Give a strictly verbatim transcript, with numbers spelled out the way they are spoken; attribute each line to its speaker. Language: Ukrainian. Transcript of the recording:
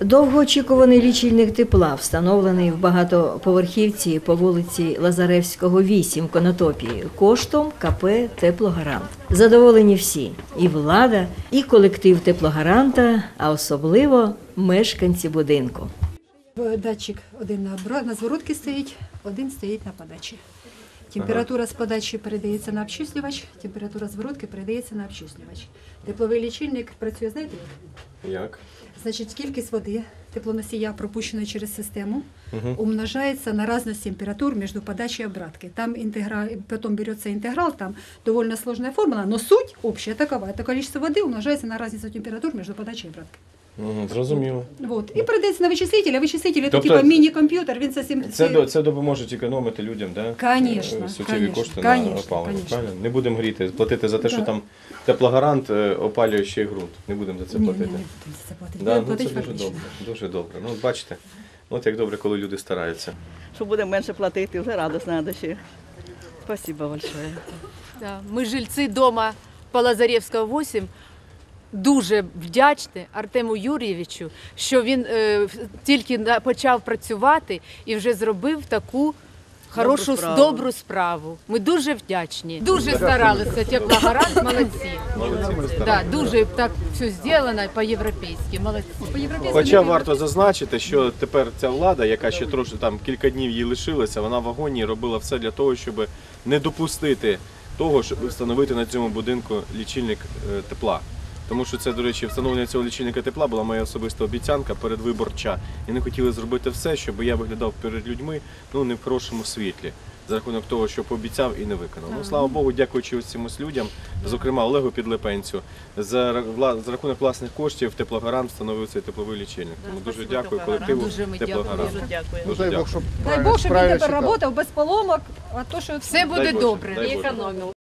Speaker 1: Довгоочікуваний лічильник тепла, встановлений в багатоповерхівці по вулиці Лазаревського, вісім, Конотопі, коштом ка пе «Теплогарант». Задоволені всі – і влада, і колектив «Теплогаранта», а особливо мешканці будинку.
Speaker 2: Датчик один на, обра... на зворотці стоїть, один стоїть на подачі. Температура з подачі передається на обчислювач, температура зворотки передається на обчислювач. Тепловий лічильник працює, знаєте як?
Speaker 3: Як?
Speaker 2: Значить, кількість води теплоносія, пропущеної через систему,
Speaker 3: Угу.
Speaker 2: умножается на разность температур между подачей и обраткой. Там интегра... потом берется интеграл, там довольно сложная формула, но суть общая такова. Это количество воды умножается на разницу температур между подачей и обраткой.
Speaker 3: Угу, зрозуміло.
Speaker 2: Вот. І передається на вичислитель, а вичислитель – це
Speaker 3: Тобто
Speaker 2: типа міні-комп'ютер, він совсем...
Speaker 3: Це, до- це допоможе економити людям, да?
Speaker 2: Конечно,
Speaker 3: Е, суттєві
Speaker 2: конечно,
Speaker 3: кошти на
Speaker 2: конечно,
Speaker 3: опалення.
Speaker 2: конечно.
Speaker 3: Правильно? Не будемо гріти, платити за те, що
Speaker 2: Да.
Speaker 3: там теплогарант е, опалює ще й ґрунт. Не будемо за це
Speaker 2: Ні, ні,
Speaker 3: платити.
Speaker 2: не будемо за це платити.
Speaker 3: Да,
Speaker 2: Будемо
Speaker 3: ну, це
Speaker 2: платити
Speaker 3: дуже
Speaker 2: фактично.
Speaker 3: добре. Дуже добре. Ну, бачите, от як добре, коли люди стараються.
Speaker 4: Що будемо менше платити, вже радісно на душі. Спасибо большое.
Speaker 5: Да, ми жильці дома по Лазаревського, вісім, дуже вдячні Артему Юрійовичу, що він е, тільки на- почав працювати і вже зробив таку хорошу,
Speaker 4: Добру справу.
Speaker 5: добру справу. Ми дуже вдячні. Дуже старалися, Теплогарант, молодці.
Speaker 3: Молодці,
Speaker 5: Да, дуже так все зроблено по-європейськи, молодці.
Speaker 3: Хоча варто зазначити, що тепер ця влада, яка ще трошки там кілька днів їй лишилася, вона в агонії робила все для того, щоб не допустити того, щоб встановити на цьому будинку лічильник е, тепла. Тому що це, до речі, встановлення цього лічильника тепла була моя особиста обіцянка передвиборча. І вони хотіли зробити все, щоб я виглядав перед людьми ну, не в хорошому світлі. За рахунок того, що пообіцяв і не виконав. Ну, слава Богу, дякуючи цим ось людям, зокрема Олегу Підлипенцю, за, ра- за рахунок власних коштів Теплогарант встановив цей тепловий лічильник. Тому дуже
Speaker 4: спасибо,
Speaker 3: дякую
Speaker 4: Теплогарант.
Speaker 3: колективу
Speaker 5: Дуже ми дякуємо.
Speaker 3: Теплогарант.
Speaker 4: Дуже дякую.
Speaker 3: Дуже
Speaker 6: Дай
Speaker 3: дякую.
Speaker 6: Бог, щоб
Speaker 2: Дай Бог, щоб він
Speaker 6: правильно
Speaker 2: тепер
Speaker 6: читав.
Speaker 2: працював без поломок, а то, що
Speaker 5: Все буде
Speaker 3: Дай Боже,
Speaker 5: добре.
Speaker 3: дай
Speaker 5: І
Speaker 3: Боже.
Speaker 5: економив.